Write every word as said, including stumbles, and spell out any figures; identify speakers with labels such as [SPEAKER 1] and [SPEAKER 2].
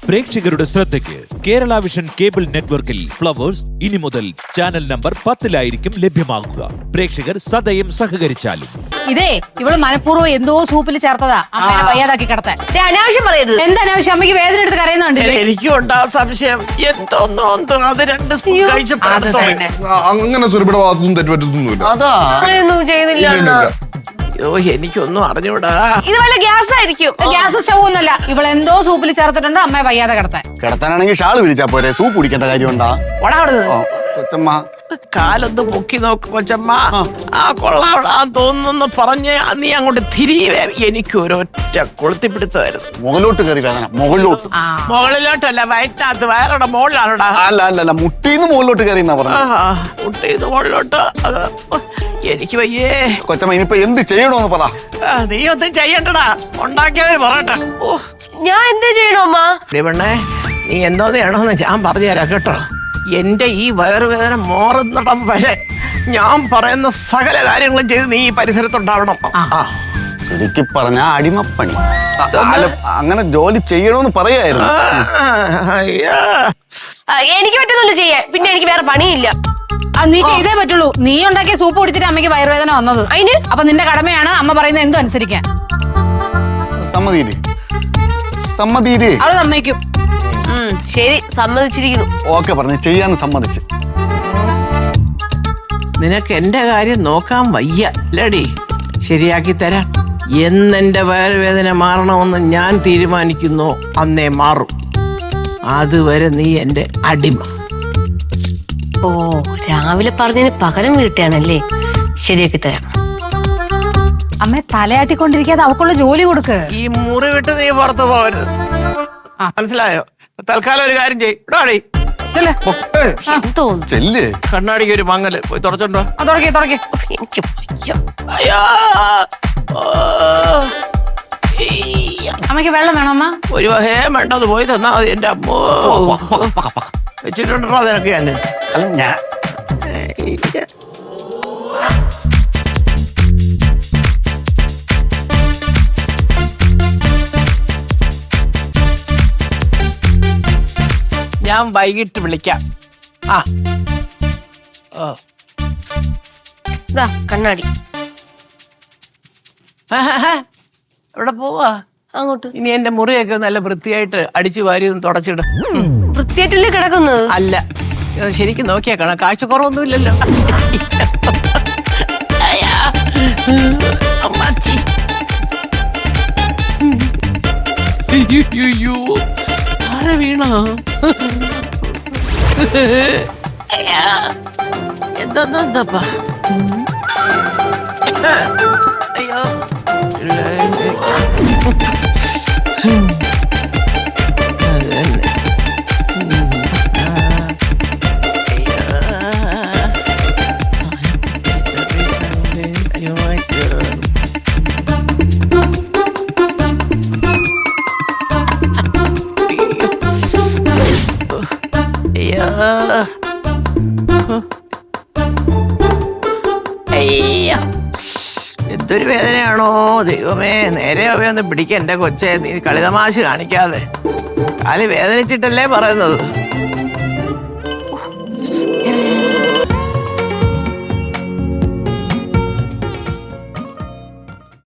[SPEAKER 1] പ്രേക്ഷകരുടെ ശ്രദ്ധയ്ക്ക് Kerala vision cable നെറ്റ്വർക്കിൽ ഫ്ലവേഴ്സ് ഇനി മുതൽ ചാനൽ നമ്പർ പത്തിലായിരിക്കും ലഭ്യമാകുക. പ്രേക്ഷകർ സദയം സഹകരിച്ചാലും.
[SPEAKER 2] ഇതേ ഇവള് മനഃപൂർവ്വം എന്തോ സൂപ്പിൽ ചേർത്തതാ അമ്മേനെ വയ്യാതാക്കി കിടത്താൻ.
[SPEAKER 3] അനാവശ്യം പറയരുത്.
[SPEAKER 2] എന്താ അനാവശ്യം? അമ്മയ്ക്ക് വേദന എടുത്ത് കരയുന്നുണ്ട്.
[SPEAKER 4] എനിക്കും ഉണ്ടാ സംശയം. എന്തോന്നോ അത് രണ്ട് സ്പൂൺ കഴിച്ചപ്പോ
[SPEAKER 5] അങ്ങനെ സുരഭിയുടെ ഭാഗത്തൊന്നും തെറ്റുപറ്റത്തൊന്നുമില്ല.
[SPEAKER 3] അതാ അങ്ങനെയൊന്നും ചെയ്തില്ല.
[SPEAKER 4] അയ്യോ എനിക്കൊന്നും അറിഞ്ഞൂടാ.
[SPEAKER 3] ഇത് വല്ല ഗ്യാസ് ആയിരിക്കും.
[SPEAKER 2] ഗ്യാസ് സ്റ്റൗ ഒന്നല്ല. ഇവള് എന്തോ സൂപ്പിൽ ചേർത്തിട്ടുണ്ട് അമ്മയെ വയ്യാതെ കിടത്താൻ.
[SPEAKER 6] കിടത്താനാണെങ്കിൽ ഷാള് വിരിച്ചാ പോരെ, സൂപ്പ് കുടിക്കേണ്ട കാര്യമുണ്ടാ? കൊച്ചമ്മ
[SPEAKER 4] കാലൊന്ന് പൊക്കി നോക്ക് കൊച്ചമ്മ. ആ കൊള്ളാവിടാൻ തോന്നുന്നു പറഞ്ഞ് നീ അങ്ങോട്ട് തിരിവേ. എനിക്ക് ഒരൊറ്റ കൊളുത്തിപ്പിടുത്തമായിരുന്നു.
[SPEAKER 6] മുകളിലോട്ട് കയറി വേദന. മുകളിലോട്ട്
[SPEAKER 4] മുകളിലോട്ടല്ല, വയറ്റിനകത്ത് വയറുടെ മുകളിലാണോടാ.
[SPEAKER 6] അല്ല അല്ല അല്ല മുട്ടീന്ന് മുകളിലോട്ട് കയറി എന്നാ പറഞ്ഞു.
[SPEAKER 4] മുട്ടീന്ന് മുകളിലോട്ട്. അത് എനിക്ക് വയ്യേ
[SPEAKER 6] കൊച്ചമ്മ. ഇനിയിപ്പോ എന്ത് ചെയ്യണോന്ന് പറ.
[SPEAKER 4] നീ ഒന്നും ചെയ്യണ്ടടാ, ഉണ്ടാക്കിയവര് പറയട്ടെ. ഓ
[SPEAKER 3] ഞാൻ എന്താ ചെയ്യണോ അമ്മ?
[SPEAKER 4] പെണ്ണേ നീ എന്തോ ചെയ്യണമെന്ന് ഞാൻ പറഞ്ഞു തരാം കേട്ടോ. എന്റെ ഈ വയറുവേദന മാറുന്നിടം വരെ ഞാൻ പറയുന്ന സകല കാര്യങ്ങളും ചെയ്ത് നീ ഈ പരിസരത്തുണ്ടാവണം.
[SPEAKER 6] ചുരുക്കി പറഞ്ഞ അടിമപ്പണി. അങ്ങനെ ജോലി ചെയ്യണോന്ന് പറയായിരുന്നു.
[SPEAKER 3] എനിക്ക് പറ്റുന്നില്ല ചെയ്യാൻ. പിന്നെ എനിക്ക് വേറെ പണിയില്ല.
[SPEAKER 2] നീ ചെയ്തേ പറ്റുള്ളൂ. നീ ഉണ്ടാക്കിയ സൂപ്പ് കുടിച്ചിട്ട് അമ്മയ്ക്ക് വയറുവേദന വന്നത്. അതിന് അപ്പൊ നിന്റെ കടമയാണ് അമ്മ പറയുന്നത് എന്തും അനുസരിക്കാൻ.
[SPEAKER 6] സമ്മതിയില്ലേ? സമ്മതിയില്ലേ?
[SPEAKER 2] അവള് സമ്മതിക്കും.
[SPEAKER 3] ശരി, സമ്മതിച്ചിരിക്കുന്നു.
[SPEAKER 6] ഓക്കെ പറഞ്ഞു, ചെയ്യാന്ന് സമ്മതിച്ച്.
[SPEAKER 4] നിനക്ക് എന്റെ കാര്യം നോക്കാൻ വയ്യ അല്ലേടി? ശരിയാക്കി തരാം. എന്നെന്റെ വയറുവേദന മാറണമെന്ന് ഞാൻ തീരുമാനിക്കുന്നു അന്നേ മാറും. അതുവരെ നീ എന്റെ അടിമ.
[SPEAKER 3] ഓ, രാവിലെ പറഞ്ഞതിന് പകരം വീട്ടാണല്ലേ? ശരിയാക്കി തരാം.
[SPEAKER 2] അമ്മ തലയാട്ടിക്കൊണ്ടിരിക്കാതെ അവക്കുള്ള ജോലി കൊടുക്ക്.
[SPEAKER 4] ഈ മുറി വിട്ട് നീ പുറത്തു പോകരുത്, മനസ്സിലായോ? തൽക്കാലം ഒരു കാര്യം ചെയ്യ്. കണ്ണാടിക്ക് ഒരു മങ്ങല് പോയി തുടച്ചോണ്ടോ.
[SPEAKER 3] എനിക്ക്
[SPEAKER 2] അയ്യോ അമ്മയ്ക്ക് വെള്ളം വേണോ അമ്മ?
[SPEAKER 4] ഒരു വഹേ വേണ്ടത് പോയി തന്നാ മതി. എന്റെ അമ്മോ വെച്ചിട്ടുണ്ടോ അതിനൊക്കെ ഞാൻ. ഞാൻ വൈകിട്ട് വിളിക്കാം. ആ ഓ
[SPEAKER 3] കണ്ണാടി
[SPEAKER 4] എവിടെ പോവാ?
[SPEAKER 3] അങ്ങോട്ട്.
[SPEAKER 4] ഇനി എന്റെ മുറിയൊക്കെ നല്ല വൃത്തിയായിട്ട് അടിച്ചു വാരി ഒന്ന് തുടച്ചിട.
[SPEAKER 3] വൃത്തിയായിട്ടല്ലേ കിടക്കുന്നത്?
[SPEAKER 4] അല്ല, ശരിക്കും നോക്കിയാ കാണാം, കാഴ്ചക്കുറവൊന്നും ഇല്ലല്ലോ. ആരെ വീണോ? എന്തോന്നപ്പാ? അയ്യോ എന്തൊരു വേദനയാണോ ദൈവമേ. നേരെ അവയൊന്ന് പിടിക്ക എന്റെ കൊച്ചെ. നീ കളിതമാശ കാണിക്കാതെ. കാല് വേദനിച്ചിട്ടല്ലേ പറയുന്നത്.